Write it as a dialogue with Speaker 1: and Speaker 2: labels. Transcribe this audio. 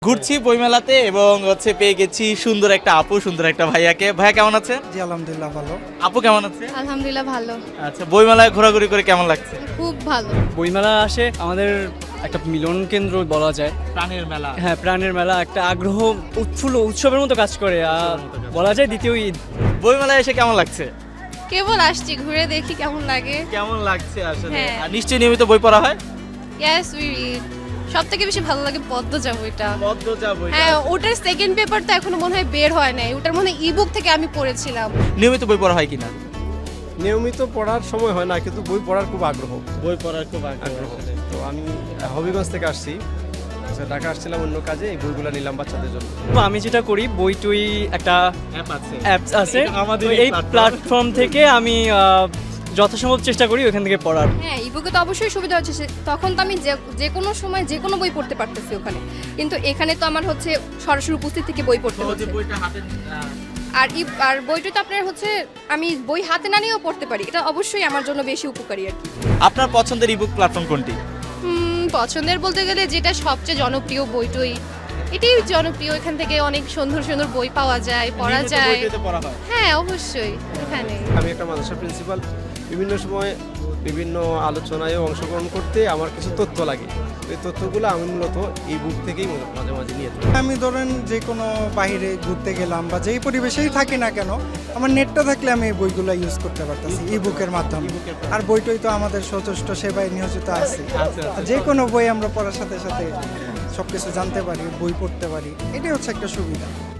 Speaker 1: ঘুরছি বইমেলাতে এবং পেয়ে গেছি সুন্দর একটা আপু, সুন্দর একটা ভাইয়াকে। ভাইয়া কেমন আছে?
Speaker 2: জি আলহামদুলিল্লাহ ভালো।
Speaker 1: আপু কেমন আছে?
Speaker 3: আলহামদুলিল্লাহ ভালো,
Speaker 1: আচ্ছা, বইমেলায় ঘোরাঘুরি করে কেমন লাগছে?
Speaker 3: খুব ভালো।
Speaker 4: বইমেলা আসে আমাদের একটা মিলন কেন্দ্র বলা যায়।
Speaker 1: প্রাণের মেলা।
Speaker 4: হ্যাঁ, প্রাণের মেলা, একটা আগ্রহ উৎফুল্ল উৎসবের মতো কাজ করে। বলা যায় দ্বিতীয় ঈদ।
Speaker 1: বইমেলায় এসে কেমন লাগছে?
Speaker 3: কেবল আসছি, ঘুরে দেখি কেমন লাগে।
Speaker 1: কেমন লাগছে আসলে?
Speaker 3: হ্যাঁ।
Speaker 1: আর নিশ্চয়ই নিয়মিত বই পড়া হয়?
Speaker 3: Yes we read. সব থেকে বেশি ভালো লাগে পদ্মজা বইটা।
Speaker 1: পদ্মজা বইটা।
Speaker 3: হ্যাঁ, ওটার সেকেন্ড পেপার তো এখনো মনে হয় বের হয় নাই। ওটার মনে হয় ইবুক থেকে আমি পড়েছিলাম।
Speaker 1: নিয়মিত বই পড়া হয় কিনা?
Speaker 5: নিয়মিত পড়ার সময় হয় না, কিন্তু বই পড়ার খুব আগ্রহ।
Speaker 1: বই পড়ার খুব
Speaker 5: আগ্রহ তো আমি হবিগঞ্জ থেকে আসছি, আচ্ছা, ঢাকা আসছিলাম অন্য কাজে, এই বইগুলো নিলাম বাচ্চাদের জন্য।
Speaker 4: তো আমি যেটা করি, বই টুই একটা
Speaker 1: অ্যাপ আছে।
Speaker 4: অ্যাপস আছে,
Speaker 1: এটা আমাদের
Speaker 4: তো এই প্ল্যাটফর্ম থেকে আমি যথাসম্ভব চেষ্টা করি ওখান থেকে পড়ার।
Speaker 6: হ্যাঁ, ইবুকে তো অবশ্যই সুবিধা হচ্ছে, তখন তো আমি যে কোনো সময় যে কোনো বই পড়তে পারতেছি ওখানে, কিন্তু এখানে তো আমার হচ্ছে সরাসরি উপস্থিত থেকে বই পড়তে
Speaker 1: সহজে
Speaker 6: হচ্ছে।
Speaker 1: বইটা হাতে
Speaker 6: আর বইটা তো আপনার হচ্ছে আমি বই হাতে না নিয়েও পড়তে পারি, এটা অবশ্যই আমার জন্য বেশি উপকারী আর কি।
Speaker 1: আপনার পছন্দের ইবুক প্ল্যাটফর্ম কোনটি?
Speaker 6: পছন্দের বলতে গেলে যেটা সবচেয়ে জনপ্রিয় বইটই, এটাই জনপ্রিয়। এখান থেকে অনেক সুন্দর সুন্দর বই পাওয়া যায়, পড়া
Speaker 1: নিয়মিত
Speaker 6: যায়।
Speaker 1: বইটাতে পড়া হয়?
Speaker 6: হ্যাঁ অবশ্যই এখানে।
Speaker 5: আমি একটা মাদ্রাসার প্রিন্সিপাল, বিভিন্ন সময় বিভিন্ন আলোচনায় অংশগ্রহণ করতে আমার কিছু তথ্য লাগে। এই তথ্যগুলো আমি মূলত এই বুক থেকেই মাঝে মাঝে নিয়ে থাকি।
Speaker 2: আমি ধরেন যে কোনো বাইরে ঘুরতে গেলাম বা যেই পরিবেশেই থাকি না কেন, আমার নেটটা থাকলে আমি এই বইগুলো ইউজ করতে পারতেছি ই বুকের মাধ্যমে। আর বইটই তো আমাদের সচেষ্ট সেবায় নিয়োজিত আছে। যে কোনো বই আমরা পড়ার সাথে সাথে সবকিছু জানতে পারি, বই পড়তে পারি, এটাই হচ্ছে একটা সুবিধা।